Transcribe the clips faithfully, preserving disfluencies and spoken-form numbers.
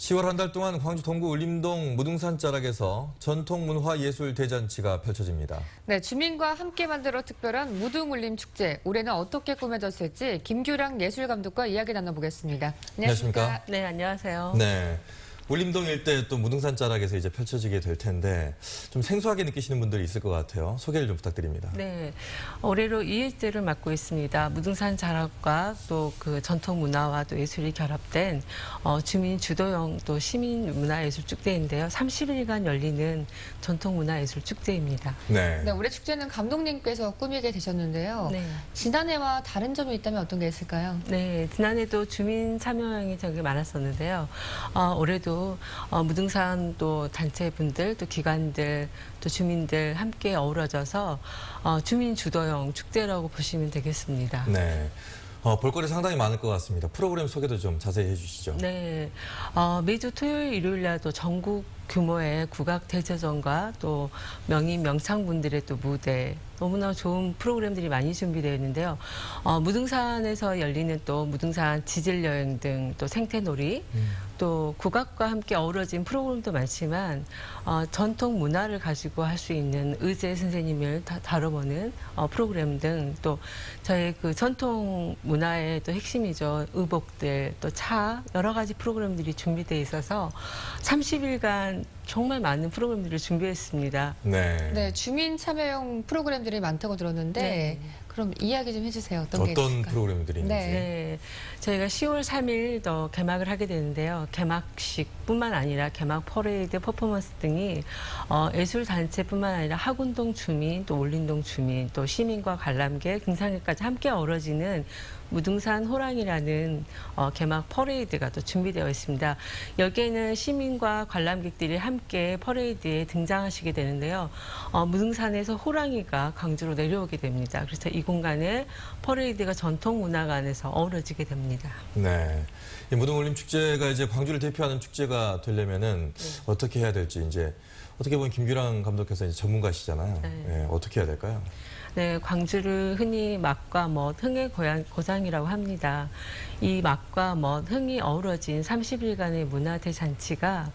시월 한 달 동안 광주 동구 울림동 무등산 자락에서 전통문화예술 대잔치가 펼쳐집니다. 네, 주민과 함께 만들어 특별한 무등울림 축제. 올해는 어떻게 꾸며졌을지 김규랑 예술감독과 이야기 나눠보겠습니다. 안녕하십니까? 안녕하십니까? 네, 안녕하세요. 네. 울림동 일대 또 무등산 자락에서 이제 펼쳐지게 될 텐데 좀 생소하게 느끼시는 분들이 있을 것 같아요. 소개를 좀 부탁드립니다. 네, 올해로 이 일째를 맡고 있습니다. 무등산 자락과 또 그 전통 문화와 또 예술이 결합된 어, 주민 주도형 또 시민 문화예술 축제인데요. 삼십 일간 열리는 전통 문화예술 축제입니다. 네. 네, 올해 축제는 감독님께서 꾸미게 되셨는데요. 네. 지난해와 다른 점이 있다면 어떤 게 있을까요? 네, 지난해도 주민 참여형이 되게 많았었는데요. 어, 올해도 어, 무등산 또 단체분들, 또 기관들, 또 주민들 함께 어우러져서 어, 주민 주도형 축제라고 보시면 되겠습니다. 네. 어, 볼거리 상당히 많을 것 같습니다. 프로그램 소개도 좀 자세히 해주시죠. 네, 어, 매주 토요일, 일요일 날도 전국 규모의 국악 대제전과 또 명인 명창분들의 또 무대, 너무나 좋은 프로그램들이 많이 준비되어 있는데요. 어, 무등산에서 열리는 또 무등산 지질 여행 등 또 생태놀이, 음. 또 국악과 함께 어우러진 프로그램도 많지만 어, 전통 문화를 가지고 할 수 있는 의제 선생님을 다, 다뤄보는 어, 프로그램 등 또 저희 그 전통 문화의 또 핵심이죠. 의복들, 또 차, 여러 가지 프로그램들이 준비되어 있어서 삼십 일간 정말 많은 프로그램들을 준비했습니다. 네. 네, 주민 참여형 프로그램들이 많다고 들었는데 네. 그럼 이야기 좀 해주세요. 어떤, 어떤 게 있을까요? 프로그램들이 있는지. 네. 네, 저희가 시월 삼일 더 개막을 하게 되는데요. 개막식뿐만 아니라 개막 퍼레이드, 퍼포먼스 등이 어, 예술단체뿐만 아니라 학운동 주민, 또 울림동 주민, 또 시민과 관람객, 등산객까지 함께 어우러지는 무등산 호랑이라는 어, 개막 퍼레이드가 또 준비되어 있습니다. 여기에는 시민과 관람객들이 함께 퍼레이드에 등장하시게 되는데요. 어, 무등산에서 호랑이가 광주로 내려오게 됩니다. 그래서 이 공간에 퍼레이드가 전통문화관에서 어우러지게 됩니다. 네. 이 무등울림 축제가 이제 광주를 대표하는 축제가 되려면은 네. 어떻게 해야 될지 이제 어떻게 보면 김규랑 감독께서 이제 전문가시잖아요. 네. 네, 어떻게 해야 될까요? 네, 광주를 흔히 막과 멋, 흥의 고향, 고장이라고 합니다. 이 막과 멋, 흥이 어우러진 삼십 일간의 문화대잔치가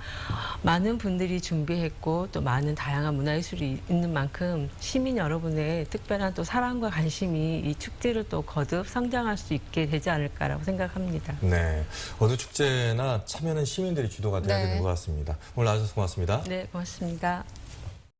많은 분들이 준비했고 또 많은 다양한 문화예술이 있는 만큼 시민 여러분의 특별한 또 사랑과 관심이 이 축제를 또 거듭 성장할 수 있게 되지 않을까라고 생각합니다. 네, 어느 축제나 참여는 시민들이 주도가 돼야 네. 되는 것 같습니다. 오늘 나와주셔서 고맙습니다. 네, 고맙습니다.